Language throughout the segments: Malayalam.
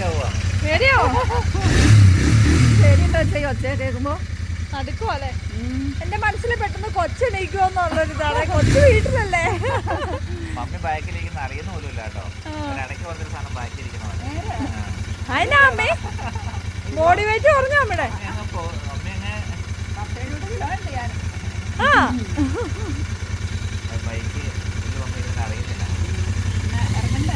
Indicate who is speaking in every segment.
Speaker 1: പേടിയാവോ? പേടിയുണ്ടോ ചെയ്യോ ഒച്ച കേൾക്കുമ്പോ? അടുക്കുവല്ലേ? എന്റെ മനസ്സിൽ പെട്ടെന്ന് കൊച്ചെണീക്കുമെന്നുള്ളൊരിതാണ്. കൊച്ചു വീട്ടിലല്ലേ?
Speaker 2: മമ്മി ബാക്കിലിരിക്കുന്ന അറിയുന്ന പോലും ഇല്ല കേട്ടോ. ഇടയ്ക്ക് വന്നൊരു സാധനം ബാക്കിലിരിക്കണോ?
Speaker 1: അതിനാ അമ്മേ ബോഡി വെയിറ്റ് കുറഞ്ഞു അമ്മയുടെ. ആ
Speaker 2: ബൈക്ക് അറിയുന്നില്ല.
Speaker 1: ഇറങ്ങണ്ടേ?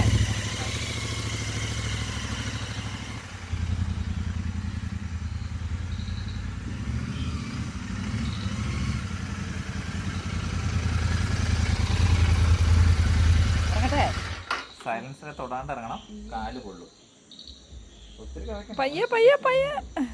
Speaker 2: സൈലൻസിനെ തൊടാണ്ട് ഇറങ്ങണം. കാല് കൊള്ളും.
Speaker 1: പയ്യെ പയ്യെ പയ്യെ.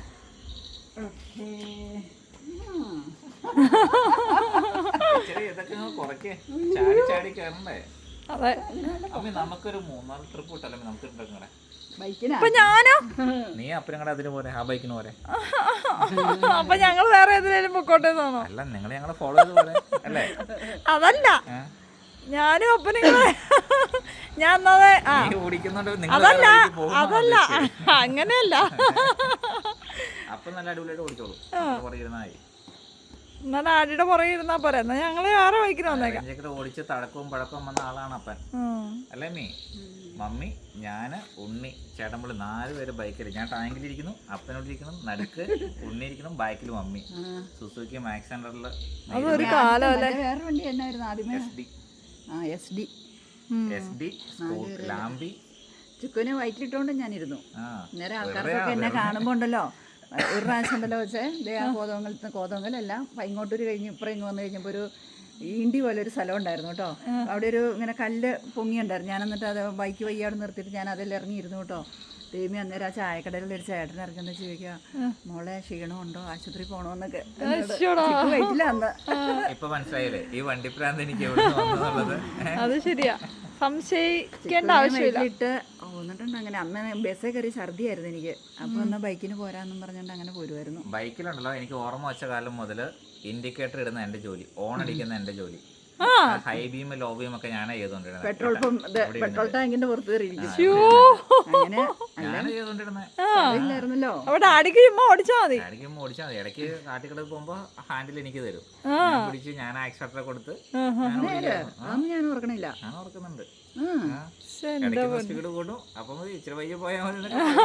Speaker 2: ഇതൊക്കെ കുറയ്ക്കേ. ചാടി ചാടി കയറണ്ടേ?
Speaker 1: അതെ.
Speaker 2: അമ്മ നമുക്കൊരു 3-4 ട്രിപ്പ് കിട്ടല്ലേ നമുക്ക് ഉണ്ടാക്കണേ?
Speaker 1: അപ്പൊ ഞാനോ?
Speaker 2: നീ അപ്പനും കൂടെ അതിന് പോരെ, ആ ബൈക്കിന് പോരെ.
Speaker 1: അപ്പൊ ഞങ്ങൾ വേറെ ഏതിലും പൊക്കോട്ടേന്നാണോ?
Speaker 2: അല്ല, നിങ്ങൾ ഞങ്ങളെ ഫോളോ ചെയ്ത് പോലെ അല്ലേ?
Speaker 1: അതല്ല, ഞാനും അപ്പനും ഞാൻ അതല്ല അതല്ല അങ്ങനെയല്ല.
Speaker 2: അപ്പൊ നല്ല അടിപൊളിയായിട്ട് ഓടിച്ചോളൂ.
Speaker 1: എന്നാ ഡാഡിയുടെ പുറകെ ഇരുന്നാ പോരെ. എന്നാ ഞങ്ങള് വേറെ ബൈക്കിന് വന്നേക്കാം.
Speaker 2: ഓടിച്ച് തഴക്കവും പഴക്കവും വന്ന ആളാണ് അപ്പൻ അല്ലേ? മമ്മി, ഞാന്, ഉണ്ണി, ചേട്ടൻപിള്ളി 4 പേര് ബൈക്കിൽ. ഞാൻ ടാങ്കിലിരിക്കുന്നു, അപ്പനോടിരിക്കണം, നടുക്ക് ഉണ്ണി ഇരിക്കണം, ബാക്കിൽ മമ്മി. സുസുക്കി മാക്സ് സെന്ററിൽ.
Speaker 1: അതൊരു കാലം അല്ലേ?
Speaker 3: വേറെ വണ്ടി എന്നായിരുന്നു ആദ്യമേ?
Speaker 2: SD ലാംബി.
Speaker 3: ചുക്കുനെ വയറ്റിട്ടോണ്ട് ഞാനിരുന്നു. നേരെ ആൾക്കാർക്കൊക്കെ എന്നെ കാണുമ്പോ ഉണ്ടല്ലോ, ഒരു പ്രാവശ്യം ഉണ്ടല്ലോ വെച്ചേ കോതമംഗലെല്ലാം ഇങ്ങോട്ടൊരു കഴിഞ്ഞ് ഇപ്പുറം ഇങ്ങ് വന്നു കഴിഞ്ഞപ്പോൾ ഒരു ഈണ്ടി പോലെ ഒരു സ്ഥലം ഉണ്ടായിരുന്നു കേട്ടോ. അവിടെ ഒരു ഇങ്ങനെ കല്ല് പൊങ്ങിയുണ്ടായിരുന്നു. ഞാൻ എന്നിട്ട് അത് ബൈക്ക് വയ്യാട് നിർത്തിയിട്ട് ഞാൻ അതിൽ ഇറങ്ങിയിരുന്നു കേട്ടോ. ദേവി അന്നേരം ആ ചായക്കടയിൽ ഒരു ചേട്ടൻ ഇറങ്ങുന്ന ചോദിക്കുക, മോളെ ക്ഷീണമുണ്ടോ, ആശുപത്രി പോണോന്നൊക്കെ. വൈറ്റില്ല അന്ന്.
Speaker 2: ഇപ്പൊ മനസ്സിലായില്ലേ ഈ വണ്ടിപ്രാന്ത് എനിക്ക്?
Speaker 1: അത് ശരിയാ, സംശയിക്കേണ്ട ആവശ്യമില്ല.
Speaker 3: എന്നിട്ടുണ്ട് അങ്ങനെ. അന്ന് ബസ്സേ കയറി ഛർദിയായിരുന്നു എനിക്ക്. അപ്പൊ എന്നാ ബൈക്കിന് പോരാന്നും പറഞ്ഞോണ്ട് അങ്ങനെ പോരുമായിരുന്നു.
Speaker 2: ബൈക്കിലുണ്ടല്ലോ, എനിക്ക് ഓർമ്മ വെച്ച കാലം മുതല് ഇൻഡിക്കേറ്റർ ഇടുന്ന എന്റെ ജോലി, ഓൺ അടിക്കുന്ന എന്റെ ജോലി, ഹൈ ബീം ലോ ബീം ഒക്കെ ഞാനാ ചെയ്തോണ്ടിരുന്നത്.
Speaker 3: പെട്രോൾ ടാങ്കിന്റെ പുറത്ത് കയറിയിരിക്കും.
Speaker 2: ഞാനാ ചെയ്തോണ്ടിരുന്നത്.
Speaker 1: അവിടെ അടിക്ക് ഓടിച്ചാ മതി.
Speaker 2: ഇടയ്ക്ക് കാട്ടിക്കടയിൽ പോകുമ്പോ ഹാൻഡിൽ എനിക്ക് തരും. പിടിച്ച് ഞാൻ ആക്സിലേറ്റർ കൊടുത്ത്
Speaker 3: ഞാൻ ഓർക്കണില്ല.
Speaker 2: ഞാൻ ഓർക്കുന്നുണ്ട്. കൂടും. അപ്പൊ ഇച്ചിരി വയ്യ പോയാൽ മതി.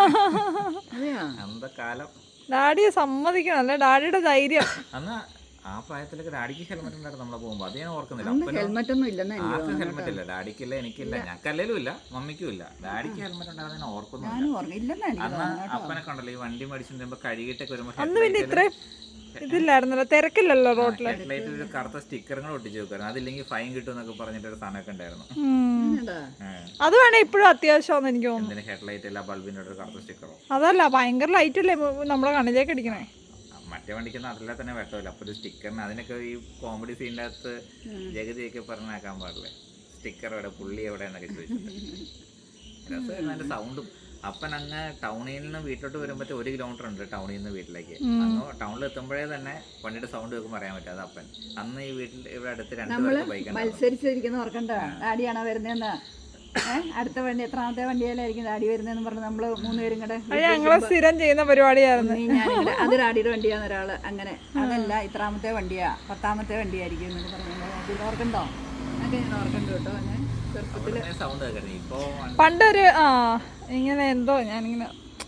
Speaker 2: അന്ത കാലം.
Speaker 1: ഡാഡിയെ സമ്മതിക്കണം അല്ലേ? ഡാഡിയുടെ ധൈര്യം.
Speaker 2: അന്ന് ആ പ്രായത്തിലൊക്കെ ഡാഡിക്ക് ഹെൽമെറ്റ് ഉണ്ടായിരുന്നു നമ്മളെ പോകുമ്പോ. അത് ഞാൻ ഓർക്കുന്നില്ല.
Speaker 3: ഹെൽമെറ്റ് ഒന്നും ഇല്ലെന്ന്
Speaker 2: ആർക്കും ഹെൽമെറ്റ് ഇല്ല. ഡാഡിക്കില്ല, എനിക്കില്ല, ഞങ്ങൾക്കല്ലേലും ഇല്ല, മമ്മിക്കും ഇല്ല. ഡാഡിക്ക് ഹെൽമെറ്റ് ഉണ്ടായിരുന്നു ഞാൻ ഓർക്കുന്നില്ല. അന്ന് അപ്പനൊക്കെ ഉണ്ടല്ലോ ഈ വണ്ടി മേടിച്ചിട്ട് കഴുകിയിട്ടൊക്കെ വരുമ്പോ
Speaker 1: ഇതില്ലായിരുന്നല്ലോ, തിരക്കില്ലല്ലോ റോഡില്.
Speaker 2: ഹെഡ്ലൈറ്റിൽ ഒരു കറുത്ത സ്റ്റിക്കറുകൾ ഒട്ടിച്ച് വെക്കായിരുന്നു. അതില്ലെങ്കിൽ ഫൈൻ കിട്ടും എന്നൊക്കെ പറഞ്ഞിട്ട് ഒരു സാധനമൊക്കെ ഉണ്ടായിരുന്നു.
Speaker 1: അത് വേണേ ഇപ്പോഴും അത്യാവശ്യമാണെന്ന് എനിക്ക് തോന്നുന്നു.
Speaker 2: ഹെഡ്ലൈറ്റ് അല്ല, ബൾബിന്റെ ഒരു കറുത്ത സ്റ്റിക്കറോ?
Speaker 1: അതല്ല, ഭയങ്കര ലൈറ്റ് അല്ലേ നമ്മളെ കണ്ണിലേക്ക് അടിക്കണേ.
Speaker 2: മറ്റേ വണ്ടിക്ക് അതിലെ തന്നെ വെട്ടമില്ല. അപ്പൊ ഒരു സ്റ്റിക്കറിന് അതിനൊക്കെ ഈ കോമഡി സീനിന്റെ അകത്ത് ജഗതിയൊക്കെ പറഞ്ഞാക്കാൻ പാടില്ലേ, സ്റ്റിക്കർ എവിടെ, പുള്ളി എവിടെ എന്നൊക്കെ ചോദിച്ചിട്ട്. രസമായിരുന്നു അതിന്റെ സൗണ്ടും. അപ്പൻ അങ്ങ് ടൗണിൽ നിന്ന് വീട്ടിലോട്ട് വരുമ്പോഴത്തെ 1 കിലോമീറ്റർ ഉണ്ട് ടൗണിൽ നിന്ന് വീട്ടിലേക്ക്. അന്ന് ടൗണിൽ എത്തുമ്പോഴേ തന്നെ വണ്ടിയുടെ സൗണ്ട് കേൾക്കുമ്പോൾ അറിയാൻ പറ്റാതെ അപ്പൻ. അന്ന് ഈ വീട്ടിൽ ഇവിടെ അടുത്ത് 2 പേർക്ക് ബൈക്ക്
Speaker 3: മത്സരിച്ചിരിക്കുന്ന ഓർക്കണ്ട. ഡാഡിയാണോ വരുന്നതെന്ന്, അടുത്ത വണ്ടി എത്രാമത്തെ വണ്ടിയിലായിരിക്കും ഡാഡി വരുന്നതെന്ന് പറഞ്ഞ് നമ്മള് 3 പേരും കൂടെ
Speaker 1: ഞങ്ങള് സ്ഥിരം ചെയ്യുന്ന പരിപാടിയായിരുന്നു.
Speaker 3: അത് ഡാഡിയുടെ വണ്ടിയാന്ന് ഒരാള്, അങ്ങനെ അതല്ല ഇത്രാമത്തെ വണ്ടിയാ, 10ാമത്തെ വണ്ടിയായിരിക്കും എന്നൊക്കെ പറഞ്ഞു. ഓർക്കണ്ടോ? അതൊക്കെ ഞാൻ ഓർക്കണ്ടു കേട്ടോ. ഞാൻ ചെറുപ്പത്തില്
Speaker 1: പണ്ടൊരു ഇങ്ങനെ എന്തോ ഞാനിങ്ങനെ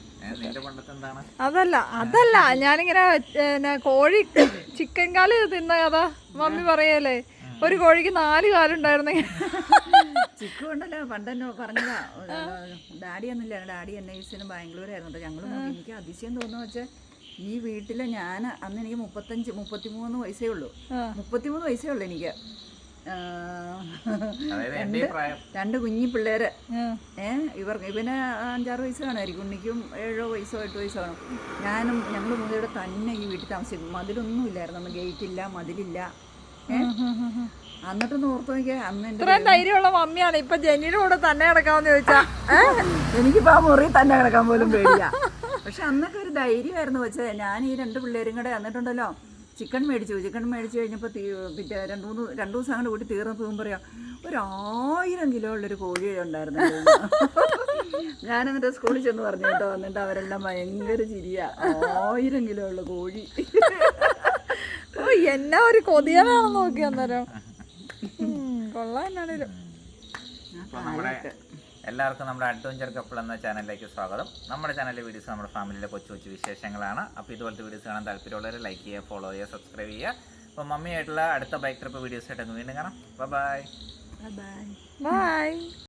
Speaker 1: അതല്ല ഞാനിങ്ങനെ കോഴി ചിക്കൻ കാല് തിന്ന കഥ മമ്മി പറയല്ലേ. ഒരു കോഴിക്ക് 4 കാലുണ്ടായിരുന്നെ.
Speaker 3: ചിക്കു ഉണ്ടല്ലോ പണ്ടെന്നെ പറഞ്ഞതാ. ഡാഡി ഒന്നുമില്ല, ഡാഡി NICന് ബാംഗ്ലൂരായിരുന്നു കേട്ടോ. ഞങ്ങൾ എനിക്ക് അതിശയം തോന്നുന്നു വെച്ചാൽ ഈ വീട്ടില് ഞാൻ അന്ന് എനിക്ക് 33 വയസ്സേ ഉള്ളൂ. 33 വയസ്സേ ഉള്ളൂ എനിക്ക്. 2 കുഞ്ഞി പിള്ളേര്. ഇവന് 5-6 വയസ്സ് കാണുമായിരിക്കും. ഉണ്ണിക്കും 7 വയസ്സോ 8 വയസ്സോ കാണും. ഞങ്ങൾ 3 പേരുടെ തന്നെ ഈ വീട്ടിൽ താമസിക്കും. മതിലൊന്നും ഇല്ലായിരുന്നു അന്ന്, ഗേറ്റില്ല, മതിലില്ല. എന്നിട്ടൊന്ന് ഓർത്ത് നോക്കിയാ അന്ന്
Speaker 1: ഇത്രയും ധൈര്യമുള്ള മമ്മിയാണ്. ഇപ്പൊ ജെന്നിയുടെ കൂടെ തന്നെ കിടക്കാമെന്ന് ചോദിച്ചാ
Speaker 3: എനിക്കിപ്പോ ആ മുറി തന്നെ കിടക്കാൻ പോലും പേടിയാ. പക്ഷെ അന്നൊക്കെ ഒരു ധൈര്യമായിരുന്നു വെച്ചത്. ഞാൻ ഈ 2 പിള്ളേരും കൂടെ എന്നിട്ടുണ്ടല്ലോ ചിക്കൻ മേടിച്ചു കഴിഞ്ഞപ്പോൾ പിറ്റേ 2 ദിവസം അങ്ങോട്ട് കൂട്ടി തീർന്നപ്പോൾ പറയാം 1000 കിലോ ഉള്ളൊരു കോഴി ഉണ്ടായിരുന്നു. ഞാനെന്നിട്ട് സ്കൂളിൽ ചെന്ന് പറഞ്ഞു കേട്ടോ, എന്നിട്ട് അവരെല്ലാം ഭയങ്കര ചിരിയാ. 1000 കിലോ ഉള്ള കോഴി.
Speaker 1: ഓ എന്നാ ഒരു കൊതിയനാണെന്ന് നോക്കി അന്നേരം. കൊള്ളാം എന്നാണേലും.
Speaker 2: അപ്പോൾ നമ്മുടെ എല്ലാവർക്കും നമ്മുടെ അഡ്വഞ്ചർ കപ്പിൾ എന്ന ചാനലിലേക്ക് സ്വാഗതം. നമ്മുടെ ചാനലിലെ വീഡിയോസ് നമ്മുടെ ഫാമിലിയിലെ കൊച്ചു കൊച്ചു വിശേഷങ്ങളാണ്. അപ്പോൾ ഇതുപോലത്തെ വീഡിയോസ് കാണാൻ താല്പര്യമുള്ളവർ ലൈക്ക് ചെയ്യുക, ഫോളോ ചെയ്യുക, സബ്സ്ക്രൈബ് ചെയ്യുക. അപ്പോൾ മമ്മിയായിട്ടുള്ള അടുത്ത ബൈക്ക് ട്രിപ്പ് വീഡിയോസ് ആയിട്ട് വീണ്ടും കാണാം. Bye
Speaker 3: bye.
Speaker 1: ബൈ.